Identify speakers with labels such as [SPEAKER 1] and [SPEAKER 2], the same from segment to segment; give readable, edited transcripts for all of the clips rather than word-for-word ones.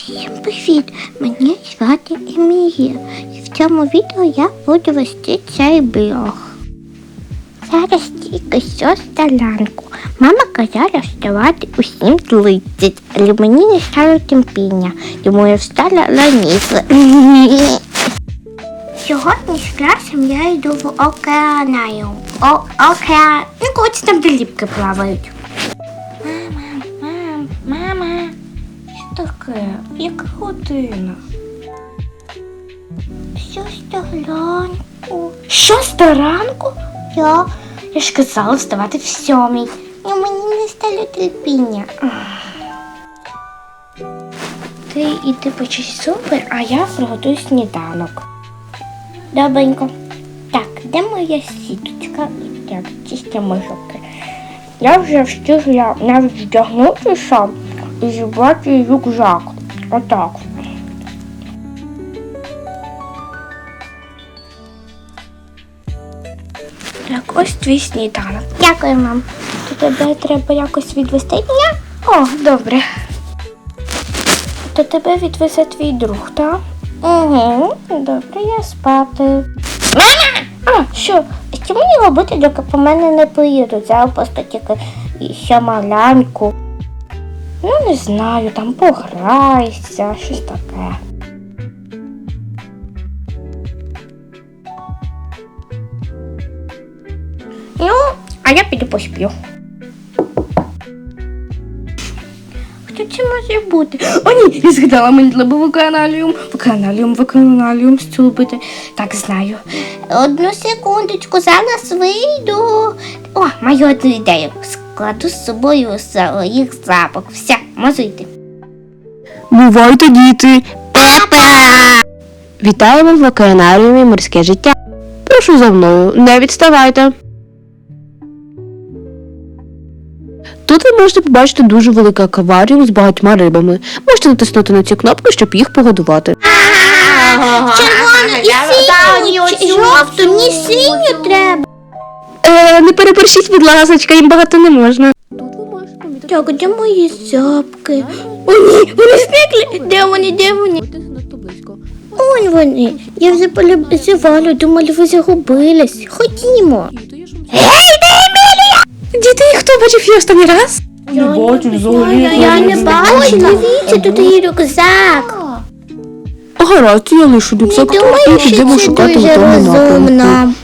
[SPEAKER 1] Всім привіт! Мене звати Емілія. І в цьому відео я буду вести цей блог. Зараз тільки 6 ранку. Мама казала вставати у 7:30, але мені не стало терпіння, тому я встала раніше. Сьогодні з класом я йду в океанаріум. Ну, коротше, там де рибки плавають. Мама. Що таке? Яка година? 6 ранку. 6 ранку? Я ж казала вставати в 7:00. І мені не стало терпіння. Ти іди почись зуби, а я приготую сніданок. Добренько. Так, де моя сіточка? Так, чистимо жопки. Я вже встигла навіть вдягнутися і зібрати рюкзак. Отак. Так, ось твій сніданок. Дякую, мам. То тебе треба якось відвести? Ні? О, добре. То тебе відвезе твій друг, так? Угу, добре, я спати. Мама! А, що? Що мені робити, доки по мене не приїдуть? Зараз просто тільки ще малянку. Ну, не знаю, там пограйся, щось таке. Ну, а я піду посплю. Хто це може бути? О, ні, я згадала, мені треба Вакханаліум стюпити. Так, знаю. Одну секундочку, зараз вийду. О, маю одну ідею. Складу з собою їх запах. Все, можу йти.
[SPEAKER 2] Бувайте, діти!
[SPEAKER 1] Папа!
[SPEAKER 2] Вітаємо в океанаріумі «Морське життя». Прошу за мною, не відставайте. Тут ви можете побачити дуже великий акваріум з багатьма рибами. Можете натиснути на ці кнопки, щоб їх погодувати.
[SPEAKER 1] Червону і синю, жовту, мені синю треба.
[SPEAKER 2] Не переборщіть, будь ласочка, їм багато не можна. Тут ви можете помітити.
[SPEAKER 1] Так, де мої зябки? О, ні, вони зникли. Де вони? Он вони. Я вже полюбизувала, думала, ви загубились. Ходімо.
[SPEAKER 2] Діти, хто бачив її останній раз?
[SPEAKER 1] Я не бачу. Дивіться, тут є рюкзак.
[SPEAKER 2] Гаразд, я лишу
[SPEAKER 1] Не
[SPEAKER 2] рюкзак
[SPEAKER 1] думаю,
[SPEAKER 2] і
[SPEAKER 1] що
[SPEAKER 2] підемо
[SPEAKER 1] це
[SPEAKER 2] шукати в
[SPEAKER 1] дуже
[SPEAKER 2] тому напрямку.
[SPEAKER 1] розумно.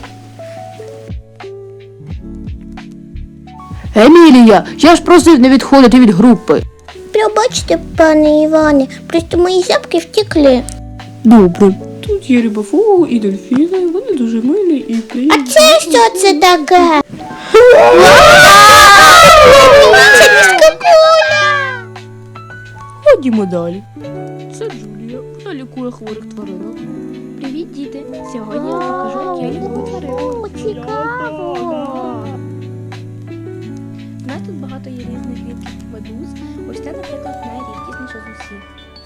[SPEAKER 2] Емілія, я ж просив не відходити від групи.
[SPEAKER 1] Пробачте, пане Іване, просто мої зябки втекли.
[SPEAKER 2] Добре.
[SPEAKER 3] Тут є рибофугу і дельфіни, вони дуже милі і
[SPEAKER 1] А
[SPEAKER 3] приємні.
[SPEAKER 1] це що це таке?
[SPEAKER 3] Ходімо далі. Це Джулія, вона лікує хворих тваринок.
[SPEAKER 4] Привіт, діти! Сьогодні я вам покажу, як я лікую тваринок.
[SPEAKER 1] Цікаво.
[SPEAKER 4] У нас тут багато є різних видів медуз. Ось це, наприклад, найрідкісніша з усіх.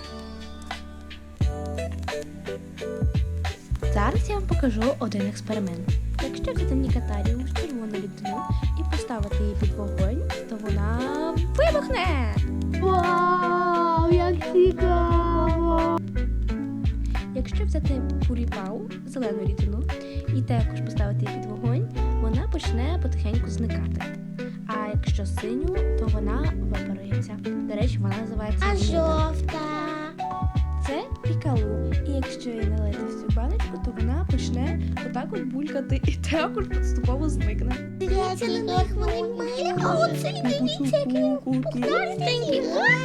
[SPEAKER 4] Зараз я вам покажу один експеримент. Якщо взяти нікатарію з червону людину і поставити її під вогонь, то вона вибухне!
[SPEAKER 1] Вау, як цікаво.
[SPEAKER 4] Якщо взяти пуріпау, зелену рідину, і також поставити її під вогонь, вона почне потихеньку зникати. А якщо синю, то вона випарується. До речі, вона називається
[SPEAKER 1] А
[SPEAKER 4] вінета.
[SPEAKER 1] жовта?
[SPEAKER 4] Це пікалу. І якщо її налити в цю баночку, то вона почне отак от булькати і також поступово зникне.
[SPEAKER 1] Дивіться на них, вони милі. А оце, дивіться, як він пухнастенький.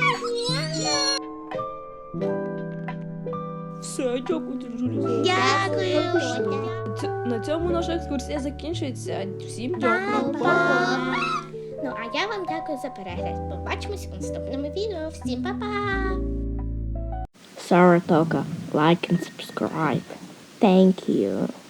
[SPEAKER 3] Все, дякую, Джулія.
[SPEAKER 1] Дякую.
[SPEAKER 3] На цьому наша екскурсія закінчується. Всім дякую.
[SPEAKER 1] Па-па. Ну, а я вам дякую за перегляд. Побачимось у наступному відео. Всім па-па!
[SPEAKER 2] Saratoga, like and subscribe. Thank you.